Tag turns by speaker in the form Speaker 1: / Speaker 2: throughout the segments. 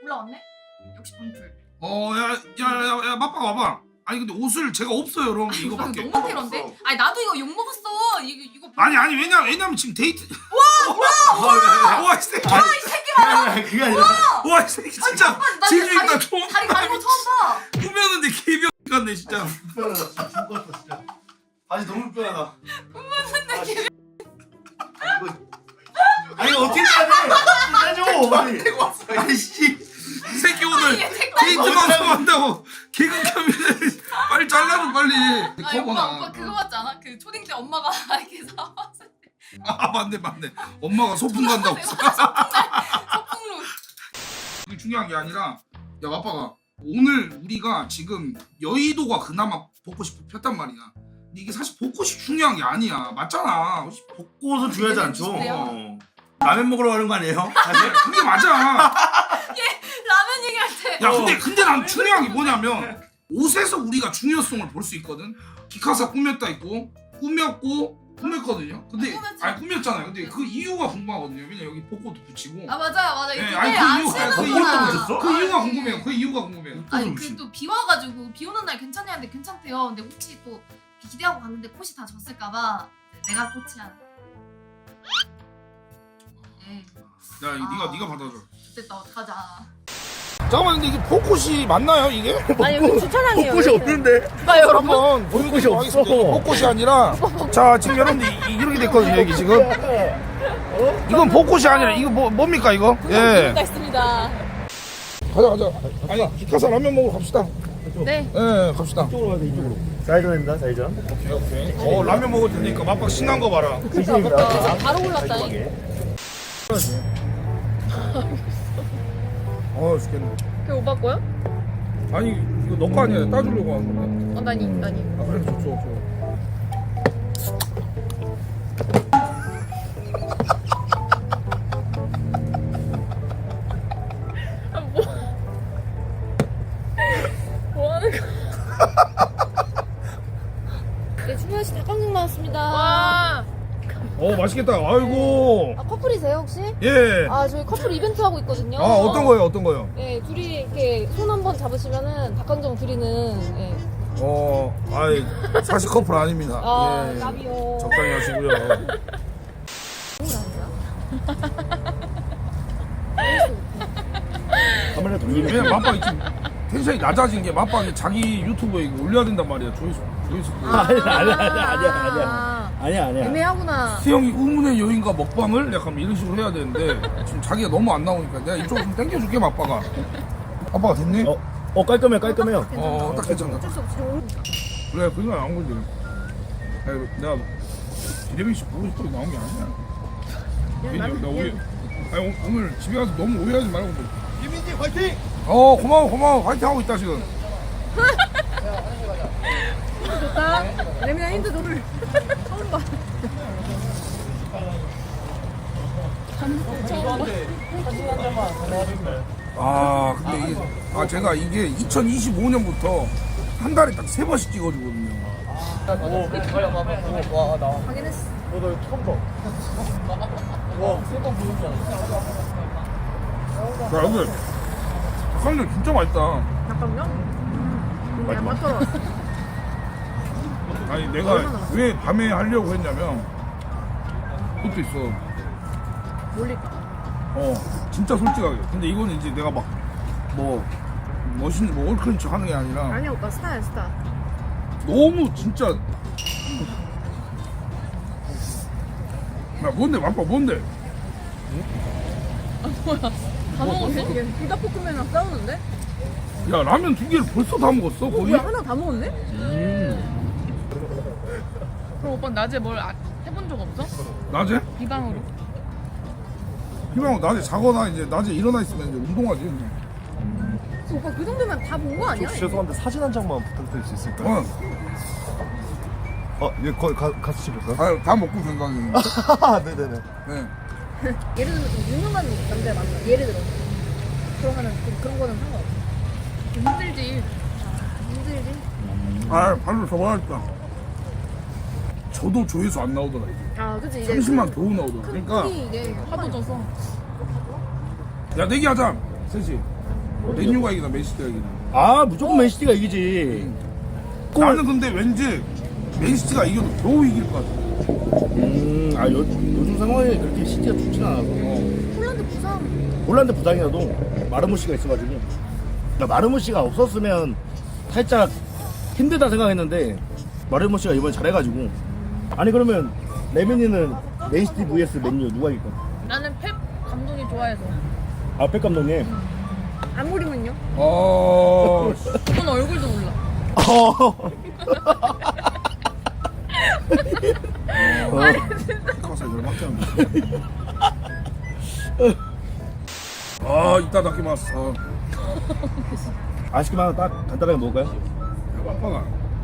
Speaker 1: 올라왔네? 역시 방풀.
Speaker 2: 야, 맞봐 와봐. 아니 근데 옷을 제가 없어요, 여러분. 이거밖에.
Speaker 1: 너무 테러인데? 아니 나도 이거 욕 먹었어. 이거.
Speaker 2: 아니 왜냐면 지금 데이트. 와 이 새끼.
Speaker 1: 이 새끼 봐라.
Speaker 3: 그게 아니라
Speaker 2: 와 이 새끼 진짜. 제주 있다 처음.
Speaker 1: 다리 가는 거 처음 봐.
Speaker 2: 꾸몄는데 개병 같네 진짜.
Speaker 3: 불편하다. 죽었어 진짜. 바지 너무 불편하다. 아니 이거 어떻게 해야 돼? 해줘 빨리. 아이씨.
Speaker 2: 이 새끼 오늘 데이트 방송 한다고 개그 켜면 빨리 잘라줘 빨리.
Speaker 1: 아 오빠 그거 맞지 않아? 그 초딩 때 엄마가 이렇게 사왔을 때
Speaker 2: 아 맞네. 엄마가 소풍 간다고.
Speaker 1: 소풍로.
Speaker 2: 그게 중요한 게 아니라 야 아빠가 오늘 우리가 지금 여의도가 그나마 벚꽃이 폈단 말이야. 근데 이게 사실 벚꽃이 중요한 게 아니야. 맞잖아.
Speaker 3: 벚꽃은 중요하지 않죠.
Speaker 1: 비슷해요.
Speaker 3: 라면 먹으러 가는 거 아니에요? 사실
Speaker 2: 그게 맞아.
Speaker 1: 라면 얘기할 때.
Speaker 2: 야 근데 난 중요한 게 뭐냐면 옷에서 우리가 중요성을 볼 수 있거든. 기카사 꾸몄다 있고 꾸몄거든요. 근데
Speaker 1: 꾸몄지.
Speaker 2: 아니 꾸몄잖아요. 근데 그 이유가 궁금하거든요. 왜냐 여기 벚꽃도 붙이고.
Speaker 1: 아 맞아요.
Speaker 2: 네,
Speaker 1: 이게
Speaker 2: 아니,
Speaker 1: 안
Speaker 2: 그
Speaker 1: 쓰는구나.
Speaker 2: 이유가
Speaker 3: 붙였어?
Speaker 2: 그 이유가 궁금해요. 그 이유가 궁금해요.
Speaker 1: 아니 그 또 비 와가지고 비 오는 날 괜찮냐는데 괜찮대요. 근데 혹시 또 기대하고 갔는데 꽃이 다 졌을까봐 내가 꽃이야. 에이
Speaker 2: 야 네가 받아줘.
Speaker 1: 됐다 어떡하자.
Speaker 2: 잠깐만 근데 이게 벚꽃이 맞나요 이게?
Speaker 4: 아니 여기 주차장이에요.
Speaker 3: 벚꽃이 없는데.
Speaker 4: 봐 여러분.
Speaker 2: 한번
Speaker 3: 벚꽃이
Speaker 2: 보여드리도록
Speaker 3: 없어.
Speaker 2: 하겠습니다. 이게 벚꽃이 아니라 자 지금 여러분들 이렇게 됐거든요 여기 지금. 이건 벚꽃이 아니라 이거 뭡니까 이거? 예.
Speaker 4: 있습니다.
Speaker 2: 가자. 아니 기카사 라면 먹으러 갑시다.
Speaker 4: 네.
Speaker 2: 예 갑시다.
Speaker 3: 이쪽으로 가자 이쪽으로. 사이전입니다 사이전.
Speaker 2: 오케이. 라면 먹을 테니까 맛박 신난 거 봐라.
Speaker 3: 진심입니다.
Speaker 4: 바로 올랐다니.
Speaker 2: 죽겠네.
Speaker 4: 그 오빠 거요?
Speaker 2: 아니 이거 너 거 아니야. 따주려고 하는 건데.
Speaker 4: 나니.
Speaker 2: 아 그래 좋죠.
Speaker 4: 뭐 하는 거? 네, 준현 씨 닭강정 나왔습니다. 와.
Speaker 2: 맛있겠다. 아이고.
Speaker 4: 아, 커플이세요 혹시?
Speaker 2: 예.
Speaker 4: 아 저희 커플 이벤트 하고 있거든요.
Speaker 2: 어떤 거요?
Speaker 4: 네, 둘이 이렇게 손 한 번 잡으시면은 닭강정 드리는. 예.
Speaker 2: 아이 사실 커플 아닙니다.
Speaker 4: 아,
Speaker 2: 예.
Speaker 4: 나비요.
Speaker 2: 적당히 하시고요.
Speaker 3: 카메라 돌리네.
Speaker 2: 왜냐면 맛박이 지금 텐션이 낮아진 게 맛박이 자기 유튜브에 이거 올려야 된단 말이야. 조회수.
Speaker 3: 아니야.
Speaker 4: 애매하구나.
Speaker 2: 태영이 의문의 여인과 먹방을 약간 이런 식으로 해야 되는데 지금 자기가 너무 안 나오니까 내가 이쪽으로 좀 당겨줄게 맛박아. 아빠가 됐니?
Speaker 3: 깔끔해요.
Speaker 2: 딱 괜찮아. 그래 그거 나온 거지. 내가 기대빈 씨 보고 싶어서 나온 게 아니야. 나 오늘 집에 가서 너무 오해하지 말고.
Speaker 3: 김민지 화이팅!
Speaker 2: 고마워 화이팅 하고 있다 지금.
Speaker 4: 좋다. 레미나 힌트 너를 처음 봐.
Speaker 2: 근데 제가 이게 2025년부터 한 달에 딱 3번씩 찍어주거든요.
Speaker 4: 확인했어.
Speaker 3: 너도 처음 봐. 와, 세번 보는 줄 알았어.
Speaker 2: 자 여러분 닭강정 진짜 맛있다.
Speaker 4: 닭강정? 맛있어.
Speaker 2: 아니 내가 왜 밤에 하려고 했냐면 그것도 있어.
Speaker 4: 몰릴까?
Speaker 2: 진짜 솔직하게. 근데 이거는 이제 내가 막 멋있는 얼큰한 척 하는 게 아니라
Speaker 4: 아니야 오빠 스타야 스타.
Speaker 2: 너무 진짜. 야 뭔데 맛봐 뭔데?
Speaker 4: 다 먹었어? 불닭볶음면이랑 싸우는데?
Speaker 2: 야 라면 2개를 벌써 다 먹었어 거의?
Speaker 4: 뭐야 하나 다 먹었네?
Speaker 5: 그럼 오빠 낮에 뭘 해본 적 없어?
Speaker 2: 낮에?
Speaker 5: 비방으로.
Speaker 2: 희망은 낮에 자거나 이제 낮에 일어나 있으면 이제 운동하지.
Speaker 4: 오빠 그 정도면 다 본 거 아니야?
Speaker 3: 죄송한데 사진 한 장만 부탁드릴 수 있을까요? 얘 거기 가서 찍을까요?
Speaker 2: 다 먹고 된다니.
Speaker 3: 네네네.
Speaker 2: 네.
Speaker 4: 예를 들면 좀 유명한 남자 만나. 예를 들어. 그러면은 좀 그런 거는 상관없어.
Speaker 5: 힘들지.
Speaker 4: 힘들지?
Speaker 2: 발로 접어야겠다. 저도 조회수 안 나오더라 이제.
Speaker 4: 아 그치 이제
Speaker 2: 30만 겨우 나오더라. 그러니까
Speaker 4: 이게
Speaker 5: 하도 져서.
Speaker 2: 야 내기하자 셋이. 맨유가 이기나 맨시티가 이기나.
Speaker 3: 아 무조건 맨시티가 이기지.
Speaker 2: 나는 근데 왠지 맨시티가 이겨도 겨우 이길 것 같아.
Speaker 3: 요즘 상황이 그렇게 시티가 좋진 않아서.
Speaker 4: 폴란드 부상.
Speaker 3: 홀란드 부상이라도 마르모시가 있어가지고. 나 마르모시가 없었으면 살짝 힘들다 생각했는데 마르모시가 이번에 잘해가지고. 아니 그러면 레미니는 맨시티 vs 맨유 누가 이길까?
Speaker 5: 나는 펩 감독이 좋아해서.
Speaker 3: 아 백 감독님.
Speaker 4: 아무리면요?
Speaker 5: 그건 얼굴도 몰라.
Speaker 2: 가서 열받게 하네. 아 이따 닦기마스.
Speaker 3: 아쉽게만 딱 간단하게 먹을까요?
Speaker 2: 아빠가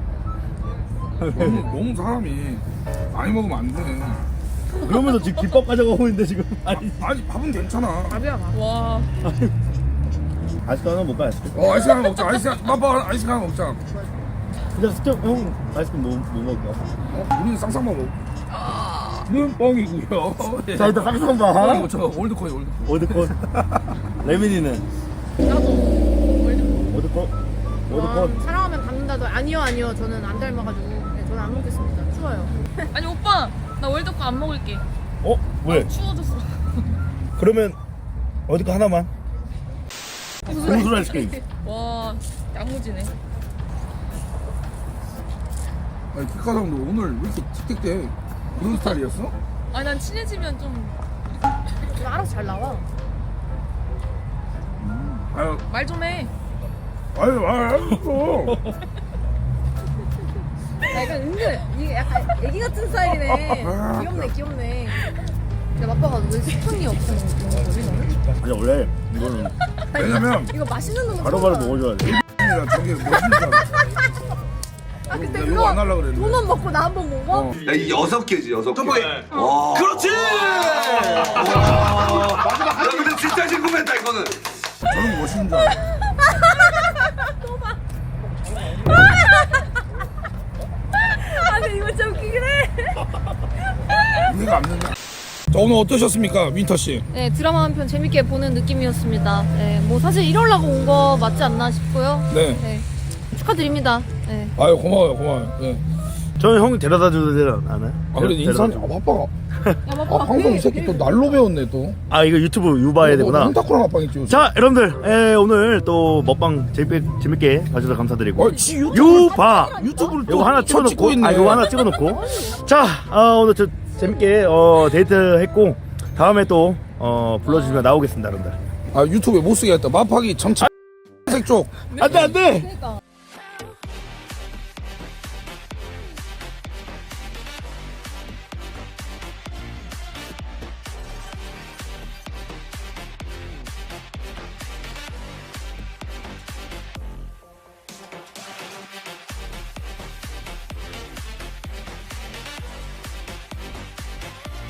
Speaker 2: 너무 사람이 많이 먹으면 안 돼.
Speaker 3: 그러면서 지금 김밥 가져가고 있는데 지금. 아니
Speaker 2: 밥은 괜찮아.
Speaker 4: 밥이야 밥.
Speaker 5: 와.
Speaker 3: 아직도 하나 먹을까?
Speaker 2: 아이스크림 하나 먹자. 아빠 아이스크림 하나 먹자.
Speaker 3: 근데 스텝 형 아이스크림 뭐 먹을까?
Speaker 2: 우리는 쌍쌍만 먹. 는 뻥이고요.
Speaker 3: 자 일단 쌍쌍 봐.
Speaker 2: 저 올드코이.
Speaker 3: 월드컵. 레미니는
Speaker 5: 나도 월드컵.
Speaker 3: 월드컵. 월드컵.
Speaker 4: 사랑하면 받는다도 아니요 저는 안 닮아가지고 네, 저는 안 먹겠습니다. 추워요.
Speaker 5: 아니 오빠 나 월드컵 안 먹을게.
Speaker 3: 어? 왜?
Speaker 5: 추워졌어.
Speaker 3: 그러면 월드컵 하나만. 고수 아이스크림.
Speaker 5: 와 야무지네.
Speaker 2: 아니 키카상도 오늘 왜 이렇게 틱틱대? 그런 스타일이었어?
Speaker 5: 아니 난 친해지면 좀
Speaker 4: 이거 알아서 잘 나와.
Speaker 2: 아유
Speaker 5: 말 좀 해.
Speaker 2: 알았어.
Speaker 4: 약간 은근 이게 약간 애기 같은 스타일이네. 귀엽네. 근데 맛봐가 왜 스푼이 없어?
Speaker 3: 아니 원래 이거는
Speaker 2: 왜냐면
Speaker 4: 이거 맛있는 놈은
Speaker 3: 바로바로
Speaker 4: 처음 봐.
Speaker 3: 먹어줘야 돼.
Speaker 2: 야 저게 멋있다.
Speaker 4: 아 근데
Speaker 2: 내가 이거 안 하려고 그랬는데.
Speaker 4: 돈만 먹고 나 한 번 먹어?
Speaker 2: 어.
Speaker 6: 야, 이 6개지, 6개. 와. 그렇지! 마지막 야, 근데 진짜 궁금했다, 이거는.
Speaker 2: 저런 거 멋있는 줄 알아.
Speaker 4: 아 근데 이거 진짜 웃기긴 해.
Speaker 2: 이해가 안 된다. 자 오늘 어떠셨습니까, 윈터 씨?
Speaker 4: 네 드라마 한 편 재밌게 보는 느낌이었습니다. 네, 뭐 사실 이러려고 온 거 맞지 않나 싶고요.
Speaker 2: 네.
Speaker 4: 네 축하드립니다. 네.
Speaker 2: 아유 고마워요. 네.
Speaker 3: 저는 형 데려다 주지 않아요?
Speaker 2: 아 그래 인사하지. 아 아빠가.
Speaker 4: 야
Speaker 2: 아
Speaker 4: 맛봐.
Speaker 2: 방송 이 새끼 또 날로 배웠네 또.
Speaker 3: 아 이거 유튜브 유봐야 되구나.
Speaker 2: 혼타쿠랑 아빠겠지
Speaker 3: 자 여러분들 오늘 또 먹방 재밌게 봐주셔서 감사드리고
Speaker 2: 지
Speaker 3: 유바
Speaker 2: 유튜브를 또
Speaker 3: 이거 하나
Speaker 2: 찍고
Speaker 3: 찍어놓고
Speaker 2: 있네.
Speaker 3: 이거 하나 찍어놓고 자 오늘 저 재밌게 데이트 했고 다음에 또 불러주시면 나오겠습니다 여러분들.
Speaker 2: 아 유튜브에 못 쓰게 했다. 마파기 정치 색 쪽.
Speaker 3: 안돼
Speaker 4: 그러니까.